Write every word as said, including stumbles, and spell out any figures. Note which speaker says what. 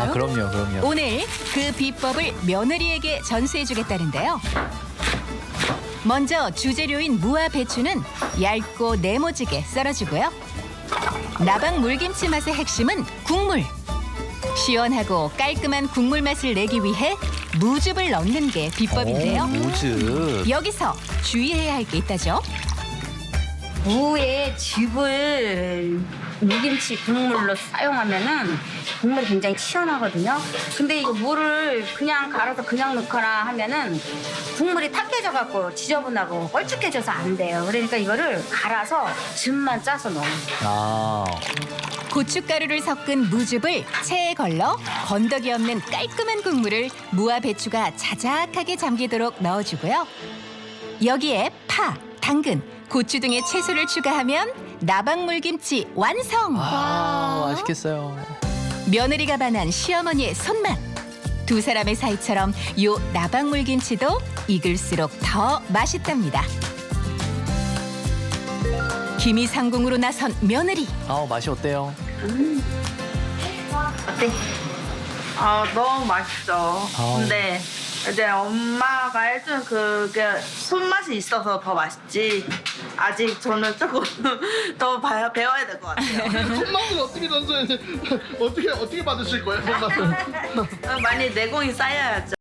Speaker 1: 아, 그럼요, 그럼요.
Speaker 2: 오늘 그 비법을 며느리에게 전수해주겠다는데요. 먼저 주재료인 무와 배추는 얇고 네모지게 썰어주고요. 나방 물김치 맛의 핵심은 국물. 시원하고 깔끔한 국물 맛을 내기 위해 무즙을 넣는 게 비법인데요.
Speaker 1: 오, 무즙.
Speaker 2: 여기서 주의해야 할 게 있다죠.
Speaker 3: 무에 즙을 무김치 국물로 사용하면은 국물이 굉장히 시원하거든요. 근데 이거 무를 그냥 갈아서 그냥 넣거나 하면은 국물이 탁해져 갖고 지저분하고 껄쭉해져서 안 돼요. 그러니까 이거를 갈아서 즙만 짜서 넣어요.
Speaker 1: 아,
Speaker 2: 고춧가루를 섞은 무즙을 체에 걸러 건더기 없는 깔끔한 국물을 무와 배추가 자작하게 잠기도록 넣어주고요. 여기에 파, 당근, 고추 등의 채소를 추가하면 나박물김치 완성!
Speaker 1: 아, 맛있겠어요.
Speaker 2: 며느리가 반한 시어머니의 손맛. 두 사람의 사이처럼 요 나박물김치도 익을수록 더 맛있답니다. 기미상궁으로 나선 며느리.
Speaker 1: 아, 맛이 어때요?
Speaker 3: 어때?
Speaker 4: 아 너무 맛있죠.
Speaker 1: 아우.
Speaker 4: 근데 이제 엄마가 해준 그게 손맛이 있어서 더 맛있지. 아직 저는 조금 더 봐- 배워야 될 것 같아요.
Speaker 5: 손맛을 어떻게 전수해? 어떻게 어떻게 받으실 거예요, 손맛을?
Speaker 4: 많이 내공이 쌓여야죠.